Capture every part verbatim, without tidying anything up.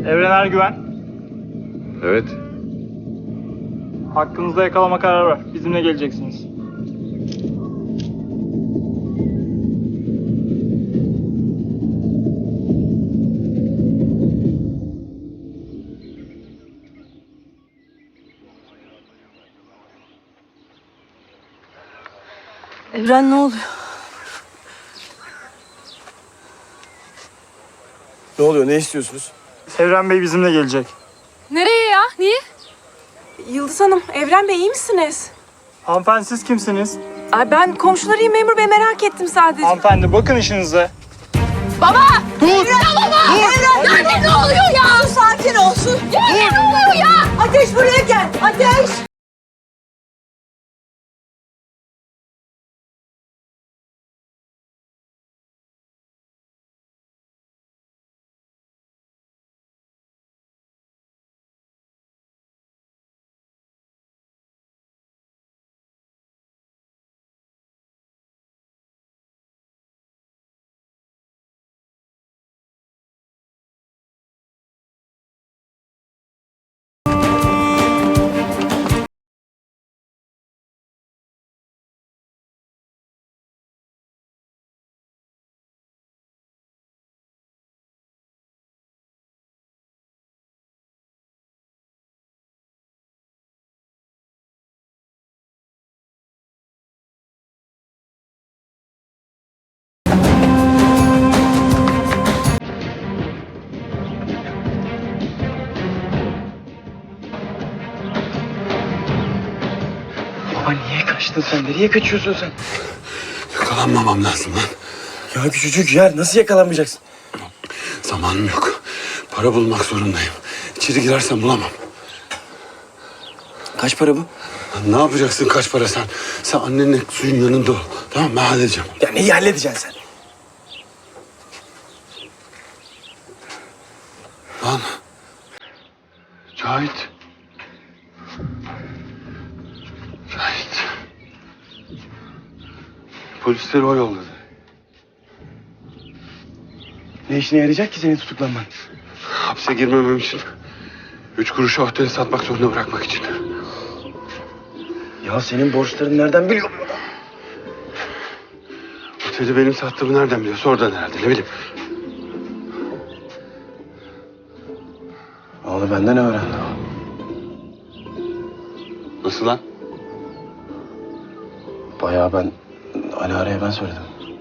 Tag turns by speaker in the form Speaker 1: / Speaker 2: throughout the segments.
Speaker 1: Evren Ergüven,
Speaker 2: Evet.
Speaker 1: hakkınızda yakalama kararı var. Bizimle geleceksiniz.
Speaker 3: Evren ne oluyor?
Speaker 4: Ne oluyor? Ne istiyorsunuz?
Speaker 1: Evren Bey bizimle gelecek.
Speaker 5: Nereye ya? Niye?
Speaker 3: Yıldız Hanım, Evren Bey iyi misiniz?
Speaker 1: Hanımefendi siz kimsiniz?
Speaker 3: Ay ben komşularıyım memur bey, merak ettim sadece.
Speaker 1: Hanımefendi bakın işinize.
Speaker 5: Baba! Dur! Ya baba! Evren! Nerede ne oluyor ya?
Speaker 3: Sus, sakin olsun.
Speaker 5: Ya ne oluyor ya?
Speaker 3: Ateş buraya gel, Ateş!
Speaker 4: Baba niye kaçtın sen? Nereye kaçıyorsun sen?
Speaker 2: Yakalanmamam lazım lan.
Speaker 4: Ya küçücük yer. Nasıl yakalanmayacaksın?
Speaker 2: Zamanım yok. Para bulmak zorundayım. İçeri girersem bulamam.
Speaker 4: Kaç para bu?
Speaker 2: Lan ne yapacaksın kaç para sen? Sen annenle suyun yanında ol. Tamam mı? Ben halledeceğim.
Speaker 4: Ya neyi halledeceksin sen?
Speaker 2: Lan. Cahit. Cahit. Polisleri o yolladı.
Speaker 4: Ne işine yarayacak ki senin tutuklanman?
Speaker 2: Hapse girmemem için. Üç kuruşa oteli satmak zorunda bırakmak için.
Speaker 4: Ya senin borçların nereden biliyor bu adam?
Speaker 2: Oteli benim sattığımı nereden biliyorsa oradan herhalde, ne bileyim.
Speaker 4: Onu benden öğrendi o.
Speaker 2: Nasıl lan?
Speaker 4: Bayağı ben... Alara'ya ben söyledim.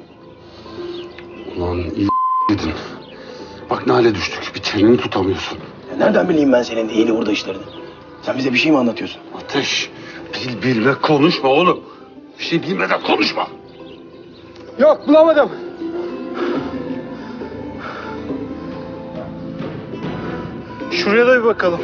Speaker 2: Ulan iyi dedin. Bak ne hale düştük. Bir çeneni tutamıyorsun.
Speaker 4: Ya nereden bileyim ben senin iyiliği orada işlerini? Sen bize bir şey mi anlatıyorsun?
Speaker 2: Ateş. Bil bilme konuşma oğlum. Bir şey bilmeden konuşma.
Speaker 1: Yok bulamadım. Şuraya da bir bakalım.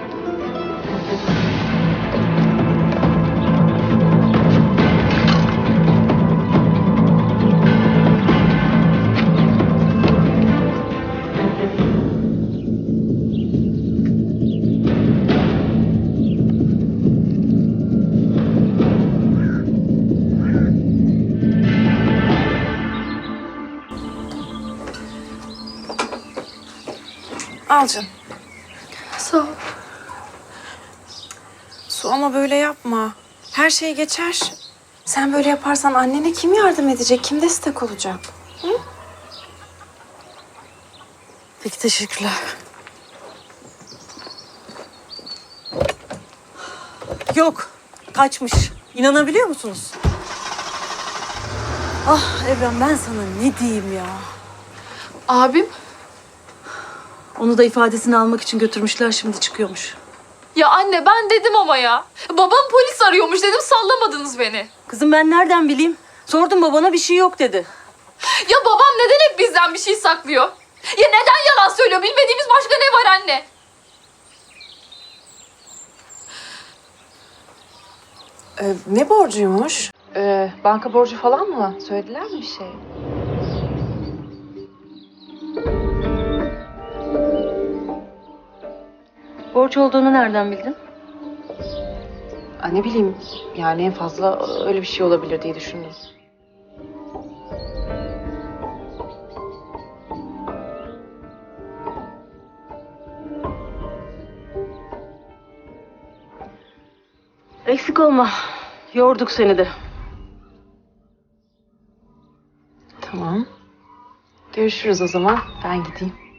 Speaker 3: Al canım.
Speaker 5: Sağ ol.
Speaker 3: Su ama böyle yapma. Her şey geçer. Sen böyle yaparsan annene kim yardım edecek? Kim destek olacak? Hı?
Speaker 6: Peki teşekkürler. Yok, kaçmış. İnanabiliyor musunuz? Ah Evren, ben sana ne diyeyim ya?
Speaker 5: Abim?
Speaker 6: Onu da ifadesini almak için götürmüşler, şimdi çıkıyormuş.
Speaker 5: Ya anne ben dedim ama ya. Babam polis arıyormuş dedim, sallamadınız beni.
Speaker 6: Kızım ben nereden bileyim? Sordum, babana bir şey yok dedi.
Speaker 5: Ya babam neden hep bizden bir şey saklıyor? Ya neden yalan söylüyor? Bilmediğimiz başka ne var anne?
Speaker 3: Ee, ne borcuymuş?
Speaker 7: Ee, banka borcu falan mı? Söylediler mi bir şey?
Speaker 6: Borç olduğunu nereden bildin?
Speaker 7: Aa, ne bileyim, yani en fazla öyle bir şey olabilir diye düşündüm.
Speaker 6: Eksik olma. Yorduk seni de.
Speaker 7: Tamam. Görüşürüz o zaman. Ben gideyim.